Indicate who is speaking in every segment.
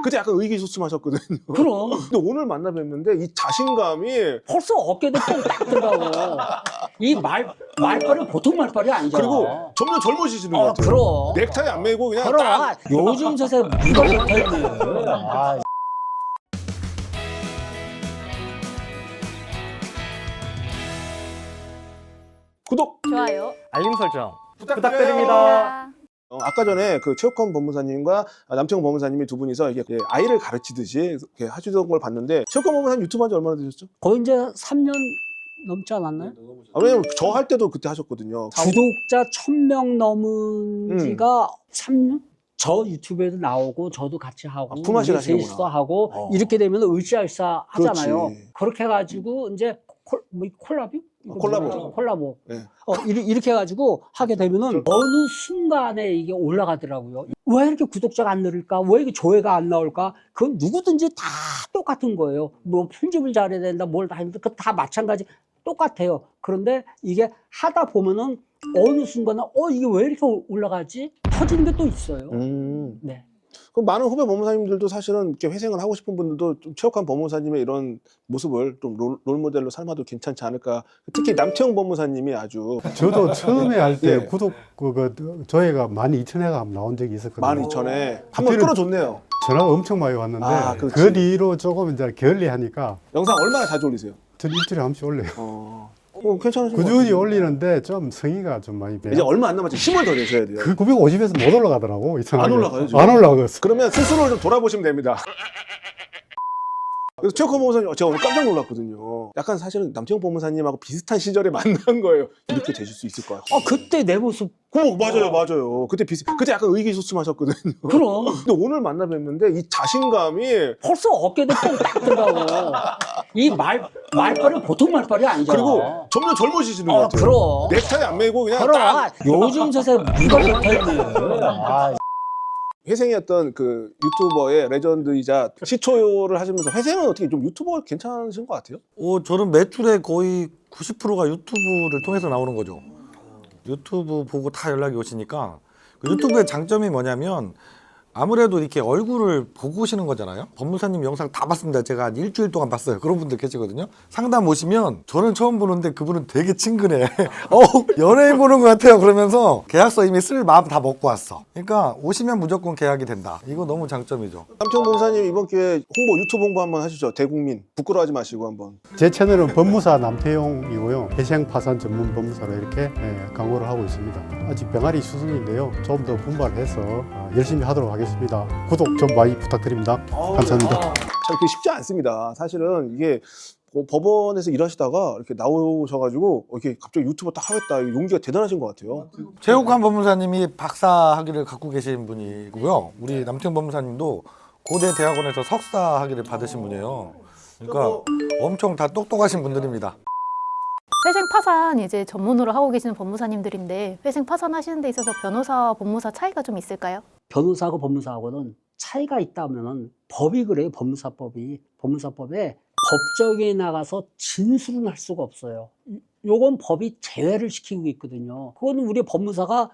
Speaker 1: 그때 약간 의기소침하셨거든요.
Speaker 2: 그럼.
Speaker 1: 근데 오늘 만나 뵀는데 이 자신감이
Speaker 2: 벌써 어깨도 뻥딱 들어가고. 이 말빨이 보통 말빨이 아니잖아.
Speaker 1: 그리고 점점 젊어지시는 것 같아요.
Speaker 2: 그럼.
Speaker 1: 넥타이 안 매고 그냥
Speaker 2: 그럼.
Speaker 1: 딱
Speaker 2: 요즘 세상에 누가 넥타이 매. 아.
Speaker 1: 구독
Speaker 3: 좋아요.
Speaker 4: 알림 설정
Speaker 1: 부탁드립니다. 아까 전에 그 최욱헌 법무사님과 남태형 법무사님이 두 분이서 이게 아이를 가르치듯이 이렇게 하시던 걸 봤는데 최욱헌 법무사님 유튜브 한 지 얼마나 되셨죠?
Speaker 2: 거의 이제 3년 넘지 않았나요?
Speaker 1: 왜냐면 저 할 때도 그때 하셨거든요.
Speaker 2: 구독자 1000명 넘은 지가 3년? 저 유튜브에도 나오고 저도 같이 하고
Speaker 1: 품앗이
Speaker 2: 우리
Speaker 1: 하시는구나.
Speaker 2: 셋이서 하고 이렇게 되면 으쌰으쌰 하잖아요.
Speaker 1: 그렇지.
Speaker 2: 그렇게 해가지고 이제 콜라보?
Speaker 1: 콜라보.
Speaker 2: 콜라보.
Speaker 1: 네.
Speaker 2: 이렇게 해가지고 하게 되면은 어느 순간에 이게 올라가더라고요. 왜 이렇게 구독자가 안 늘을까? 왜 이렇게 조회가 안 나올까? 그건 누구든지 다 똑같은 거예요. 뭐 편집을 잘해야 된다, 뭘 다 했는데 그 다 마찬가지 똑같아요. 그런데 이게 하다 보면은 어느 순간에 이게 왜 이렇게 올라가지? 터지는 게 또 있어요. 네.
Speaker 1: 그럼 많은 후배 법무사님들도 사실은 이렇게 회생을 하고 싶은 분들도 좀 최욱헌 법무사님의 이런 모습을 좀 롤모델로 삼아도 괜찮지 않을까. 특히 남태형 법무사님이 아주
Speaker 5: 저도 처음에 할 때
Speaker 1: 예.
Speaker 5: 구독 조회가 12,000회가 나온 적이 있었거든요.
Speaker 1: 12,000에 한번
Speaker 5: 그때는-
Speaker 1: 끌어줬네요.
Speaker 5: 전화가 엄청 많이 왔는데
Speaker 1: 아, 그렇지.
Speaker 5: 그 뒤로 조금 이제 게을리하니까
Speaker 1: 영상 얼마나 자주 올리세요?
Speaker 5: 전 일주일에 한 번씩 올려요.
Speaker 1: 괜찮으신 것
Speaker 5: 꾸준히
Speaker 1: 같은데.
Speaker 5: 올리는데 좀 성의가 좀 많이
Speaker 1: 이제
Speaker 5: 배요.
Speaker 1: 얼마 안 남았죠. 힘을 더 내셔야 돼요.
Speaker 5: 그 950에서 못 올라가더라고. 이상하게.
Speaker 1: 안 올라가요, 지금?
Speaker 5: 안 올라갔어.
Speaker 1: 그러면 스스로를 좀 돌아보시면 됩니다. 그래서 최욱헌 법무사님 제가 오늘 깜짝 놀랐거든요. 약간 사실은 남태형 법무사님하고 비슷한 시절에 만난 거예요. 이렇게 되실 수 있을까요?
Speaker 2: 그때 내 모습.
Speaker 1: 맞아요. 그때 약간 의기소침하셨거든요.
Speaker 2: 그럼.
Speaker 1: 근데 오늘 만나 뵀는데 이 자신감이
Speaker 2: 벌써 어깨도 뻥딱 들어가고. 이 말빨이 보통 말빨이 아니잖아.
Speaker 1: 그리고 점점 젊어지시는 것 같아요.
Speaker 2: 그럼.
Speaker 1: 넥타이 안 매고 그냥
Speaker 2: 그럼.
Speaker 1: 딱
Speaker 2: 요즘 세상에 누가 넥타이 매. 아.
Speaker 1: 회생이었던 그 유튜버의 레전드이자 시초를 하시면서 회생은 어떻게 좀 유튜버가 괜찮으신 것 같아요?
Speaker 4: 저는 매출의 거의 90%가 유튜브를 통해서 나오는 거죠. 유튜브 보고 다 연락이 오시니까 그 유튜브의 장점이 뭐냐면 아무래도 이렇게 얼굴을 보고 오시는 거잖아요. 법무사님 영상 다 봤습니다. 제가 한 일주일 동안 봤어요. 그런 분들 계시거든요. 상담 오시면 저는 처음 보는데 그분은 되게 친근해. 연예인 보는 것 같아요. 그러면서 계약서 이미 쓸 마음 다 먹고 왔어. 그러니까 오시면 무조건 계약이 된다. 이거 너무 장점이죠.
Speaker 1: 남태형 법무사님 이번 기회에 유튜브 홍보 한번 하시죠. 대국민 부끄러워하지 마시고 한번.
Speaker 5: 제 채널은 법무사 남태용이고요. 회생 파산 전문 법무사로 이렇게 강의를 하고 있습니다. 아직 병아리 수준인데요. 좀 더 분발해서 열심히 하도록 하겠습니다. 구독 좀 많이 부탁드립니다. 감사합니다.
Speaker 1: 참 그게 쉽지 않습니다. 사실은 이게 법원에서 일하시다가 이렇게 나오셔가지고 이렇게 갑자기 유튜버 딱 하겠다. 용기가 대단하신 것 같아요.
Speaker 4: 최욱헌 법무사님이 박사 학위를 갖고 계신 분이고요. 우리 남태형 법무사님도 고대 대학원에서 석사 학위를 받으신 분이에요. 그러니까 엄청 다 똑똑하신 분들입니다.
Speaker 3: 회생 파산 이제 전문으로 하고 계시는 법무사님들인데 회생 파산 하시는 데 있어서 변호사와 법무사 차이가 좀 있을까요?
Speaker 2: 변호사하고 법무사하고는 차이가 있다면은 법이 그래요. 법무사법에 법정에 나가서 진술은 할 수가 없어요. 요건 법이 제외를 시키고 있거든요. 그건 우리 법무사가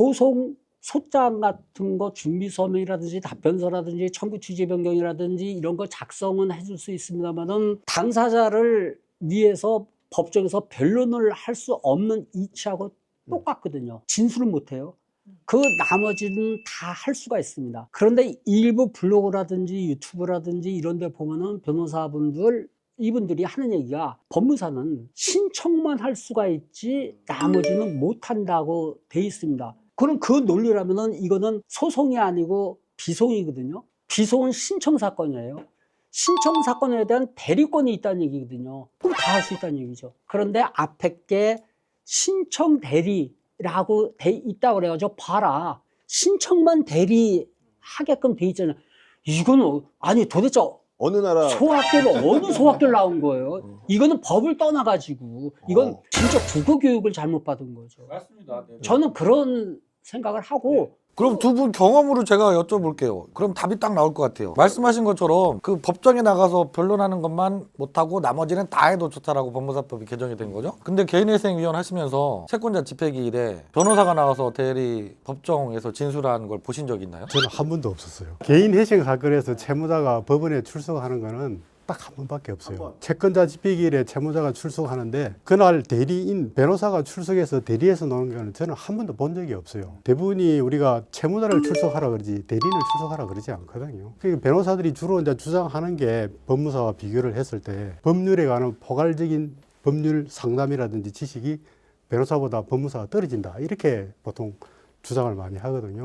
Speaker 2: 소장 같은 거 준비 서명이라든지 답변서라든지 청구 취지 변경이라든지 이런 거 작성은 해줄 수 있습니다만은 당사자를 위해서 법정에서 변론을 할 수 없는 이치하고 똑같거든요. 진술은 못해요. 그 나머지는 다 할 수가 있습니다. 그런데 일부 블로그라든지 유튜브라든지 이런 데 보면은 변호사분들 이분들이 하는 얘기가 법무사는 신청만 할 수가 있지 나머지는 못한다고 돼 있습니다. 그럼 그 논리라면은 이거는 소송이 아니고 비송이거든요. 비송은 신청 사건이에요. 신청 사건에 대한 대리권이 있다는 얘기거든요. 그럼 다 할 수 있다는 얘기죠. 그런데 앞에 게 신청 대리라고 돼 있다고 그래가지고 봐라. 신청만 대리하게끔 돼 있잖아요. 이거는 아니 도대체
Speaker 1: 어느 나라
Speaker 2: 어느 소학교를 나온 거예요? 이거는 법을 떠나가지고 이건 진짜 국어 교육을 잘못 받은 거죠.
Speaker 4: 맞습니다.
Speaker 2: 저는 그런 생각을 하고
Speaker 4: 그럼 두 분 경험으로 제가 여쭤볼게요. 그럼 답이 딱 나올 것 같아요. 말씀하신 것처럼 그 법정에 나가서 변론하는 것만 못하고 나머지는 다 해도 좋다라고 법무사법이 개정이 된 거죠. 근데 개인회생위원 하시면서 채권자 집회기일에 변호사가 나와서 대리 법정에서 진술한 걸 보신 적 있나요?
Speaker 5: 저는 한 번도 없었어요. 개인 회생 사건에서 채무자가 법원에 출석하는 거는 딱 한 번밖에 없어요. 채권자 집행기일에 채무자가 출석하는데 그날 대리인 변호사가 출석해서 대리해서 노는 거는 저는 한 번도 본 적이 없어요. 대부분이 우리가 채무자를 출석하라 그러지 대리인을 출석하라 그러지 않거든요. 그러니까 변호사들이 주로 이제 주장하는 게 법무사와 비교를 했을 때 법률에 관한 포괄적인 법률 상담이라든지 지식이 변호사보다 법무사가 떨어진다 이렇게 보통 주장을 많이 하거든요.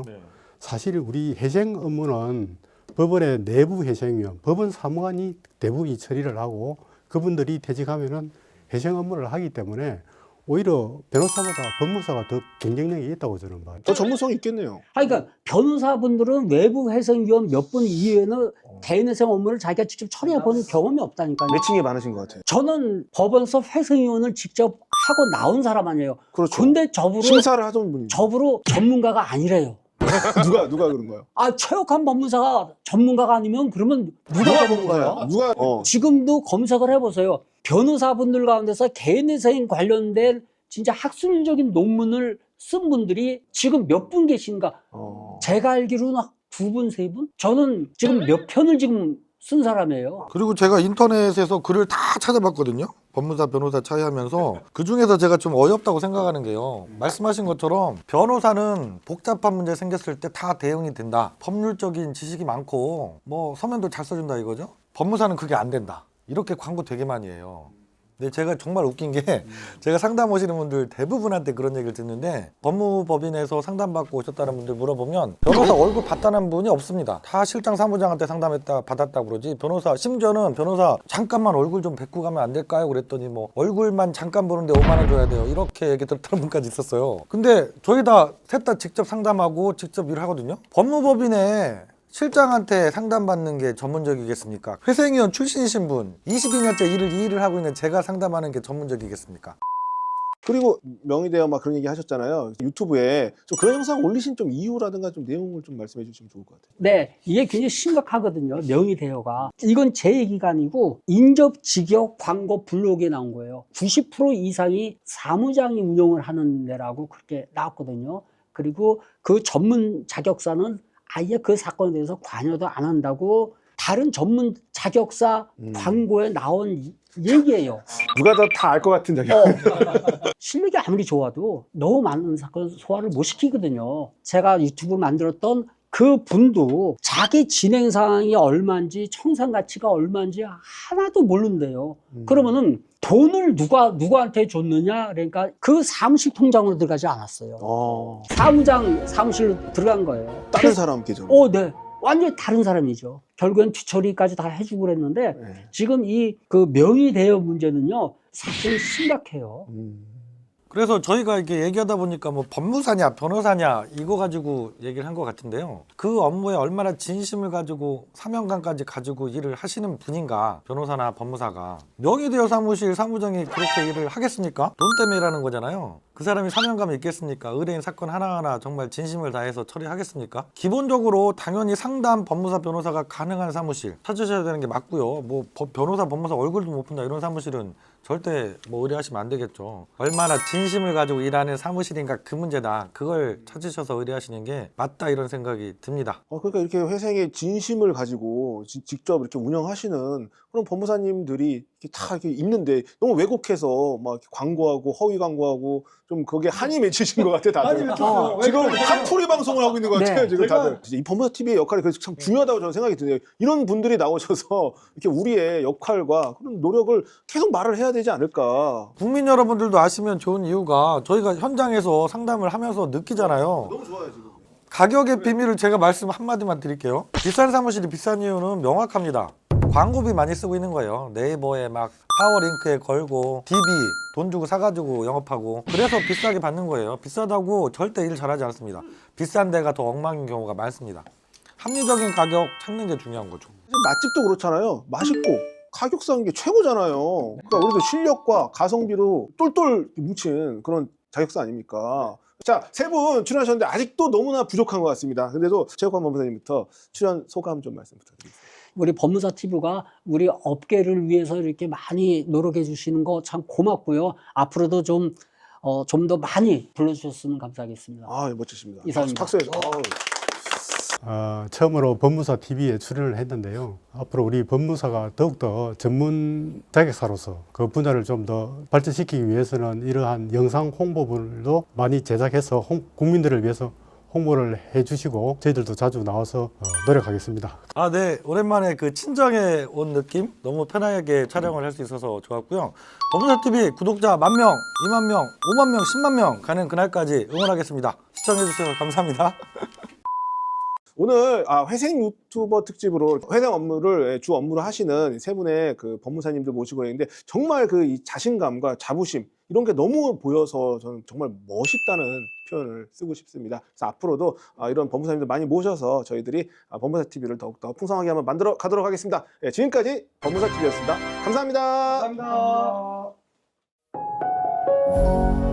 Speaker 5: 사실 우리 회생 업무는 법원의 내부 회생위원, 법원 사무관이 대부분이 처리를 하고 그분들이 퇴직하면은 회생 업무를 하기 때문에 오히려 변호사보다 법무사가 더 경쟁력이 있다고 저는 봐요.
Speaker 1: 더 전문성이 있겠네요.
Speaker 2: 그러니까 변호사분들은 외부 회생위원 몇 분 이외에는 개인회생 업무를 자기가 직접 처리해 본 경험이 없다니까요.
Speaker 1: 매칭이 많으신 것 같아요.
Speaker 2: 저는 법원서 회생위원을 직접 하고 나온 사람 아니에요.
Speaker 1: 그렇죠.
Speaker 2: 근데 저부로
Speaker 1: 심사를 하던 분이
Speaker 2: 전문가가 아니래요.
Speaker 1: 누가 그런 거야?
Speaker 2: 아, 최욱한 법무사가 전문가가 아니면 그러면 누가 전문가야?
Speaker 1: 누가
Speaker 2: 지금도 검색을 해보세요. 변호사분들 가운데서 개인회생 관련된 진짜 학술적인 논문을 쓴 분들이 지금 몇 분 계신가? 제가 알기로는 두 분, 세 분? 저는 지금 몇 편을 지금 쓴 사람이에요.
Speaker 4: 그리고 제가 인터넷에서 글을 다 찾아봤거든요. 법무사, 변호사 차이하면서 그 중에서 제가 좀 어이없다고 생각하는 게요. 말씀하신 것처럼 변호사는 복잡한 문제 생겼을 때 다 대응이 된다. 법률적인 지식이 많고 뭐 서면도 잘 써준다 이거죠. 법무사는 그게 안 된다. 이렇게 광고 되게 많이 해요. 근데 제가 정말 웃긴 게 제가 상담 오시는 분들 대부분한테 그런 얘기를 듣는데 법무법인에서 상담받고 오셨다는 분들 물어보면 변호사 얼굴 봤다는 분이 없습니다. 다 실장 사무장한테 상담했다 받았다 그러지 변호사 심지어는 변호사 잠깐만 얼굴 좀 뵙고 가면 안 될까요? 그랬더니 뭐 얼굴만 잠깐 보는데 5만 원 줘야 돼요. 이렇게 얘기 들었다는 분까지 있었어요. 근데 저희 셋 다 직접 상담하고 직접 일을 하거든요. 법무법인에 실장한테 상담받는 게 전문적이겠습니까? 회생위원 출신이신 분 22년째 이 일을 하고 있는 제가 상담하는 게 전문적이겠습니까?
Speaker 1: 그리고 명의대여 막 그런 얘기 하셨잖아요. 유튜브에 좀 그런 영상 올리신 좀 이유라든가 좀 내용을 좀 말씀해 주시면 좋을 것 같아요.
Speaker 2: 네, 이게 굉장히 심각하거든요. 명의대여가. 이건 제 얘기가 아니고 인접 직역 광고 블로그에 나온 거예요. 90% 이상이 사무장이 운영을 하는 데라고 그렇게 나왔거든요. 그리고 그 전문 자격사는 아예 그 사건에 대해서 관여도 안 한다고 다른 전문 자격사 광고에 나온 얘기예요.
Speaker 1: 누가 더 다 알 것 같은 자기.
Speaker 2: 실력이 아무리 좋아도 너무 많은 사건 소화를 못 시키거든요. 제가 유튜브를 만들었던 그 분도 자기 진행 상황이 얼마인지 청산 가치가 얼마인지 하나도 모른대요. 그러면은 돈을 누구한테 줬느냐? 그러니까 그 사무실 통장으로 들어가지 않았어요. 사무장 사무실로 들어간 거예요.
Speaker 1: 다른 사람 계정.
Speaker 2: 네. 완전히 다른 사람이죠. 결국엔 뒤처리까지 다 해주고 그랬는데 지금 이 그 명의 대여 문제는요 사실 심각해요.
Speaker 4: 그래서 저희가 이렇게 얘기하다 보니까 뭐 법무사냐 변호사냐 이거 가지고 얘기를 한 것 같은데요. 그 업무에 얼마나 진심을 가지고 사명감까지 가지고 일을 하시는 분인가 변호사나 법무사가 명의대여 사무실 사무장이 그렇게 일을 하겠습니까? 돈 때문에 일하는 거잖아요. 그 사람이 사명감이 있겠습니까? 의뢰인 사건 하나하나 정말 진심을 다해서 처리하겠습니까? 기본적으로 당연히 상담 법무사 변호사가 가능한 사무실 찾으셔야 되는 게 맞고요. 뭐 변호사 법무사 얼굴도 못 본다 이런 사무실은 절대 뭐 의뢰하시면 안 되겠죠. 얼마나 진심을 가지고 일하는 사무실인가 그 문제다. 그걸 찾으셔서 의뢰하시는 게 맞다 이런 생각이 듭니다.
Speaker 1: 그러니까 이렇게 회생의 진심을 가지고 직접 이렇게 운영하시는 그런 법무사님들이 이렇게 다 이렇게 있는데 너무 왜곡해서 막 이렇게 광고하고 허위 광고하고 좀 거기에 한이 맺히신 것 같아 다들. 지금 한풀이 방송을 하고 있는 것 같아요 지금 다들. 이 법무사 TV의 역할이 그래서 참 중요하다고 저는 생각이 드네요. 이런 분들이 나오셔서 이렇게 우리의 역할과 그런 노력을 계속 말을 해야 되지 않을까.
Speaker 4: 국민 여러분들도 아시면 좋은 이유가 저희가 현장에서 상담을 하면서 느끼잖아요.
Speaker 1: 너무 좋아요 지금.
Speaker 4: 가격의 비밀을 제가 말씀 한마디만 드릴게요. 비싼 사무실이 비싼 이유는 명확합니다. 광고비 많이 쓰고 있는 거예요. 네이버에 막 파워링크에 걸고 DB 돈 주고 사가지고 영업하고 그래서 비싸게 받는 거예요. 비싸다고 절대 일 잘하지 않습니다. 비싼 데가 더 엉망인 경우가 많습니다. 합리적인 가격 찾는 게 중요한 거죠.
Speaker 1: 맛집도 그렇잖아요. 맛있고 가격 싼 게 최고잖아요. 그러니까 우리도 실력과 가성비로 똘똘 뭉친 그런 자격사 아닙니까? 자, 세 분 출연하셨는데 아직도 너무나 부족한 것 같습니다. 근데도 최욱환 법무사님부터 출연 소감 좀 말씀 부탁드리겠습니다.
Speaker 2: 우리 법무사 TV가 우리 업계를 위해서 이렇게 많이 노력해 주시는 거 참 고맙고요. 앞으로도 좀 더 많이 불러주셨으면 감사하겠습니다.
Speaker 1: 아, 멋지십니다.
Speaker 2: 이상입니다.
Speaker 1: 박수해서.
Speaker 5: 처음으로 법무사 TV에 출연을 했는데요. 앞으로 우리 법무사가 더욱더 전문 자격사로서 그 분야를 좀 더 발전시키기 위해서는 이러한 영상 홍보물도 많이 제작해서 국민들을 위해서 홍보를 해주시고 저희들도 자주 나와서 노력하겠습니다.
Speaker 4: 아, 네. 오랜만에 그 친정에 온 느낌? 너무 편하게 촬영을 할 수 있어서 좋았고요. 법무사TV 구독자 10,000명, 20,000명, 50,000명, 100,000명 가는 그날까지 응원하겠습니다. 시청해주셔서 감사합니다.
Speaker 1: 오늘 회생 유튜버 특집으로 회생 업무를 주 업무로 하시는 세 분의 그 법무사님들 모시고 있는데 정말 그 이 자신감과 자부심 이런 게 너무 보여서 저는 정말 멋있다는 표현을 쓰고 싶습니다. 그래서 앞으로도 이런 법무사님들 많이 모셔서 저희들이 법무사 TV를 더욱더 풍성하게 한번 만들어 가도록 하겠습니다. 네, 지금까지 법무사 TV였습니다. 감사합니다.
Speaker 6: 감사합니다.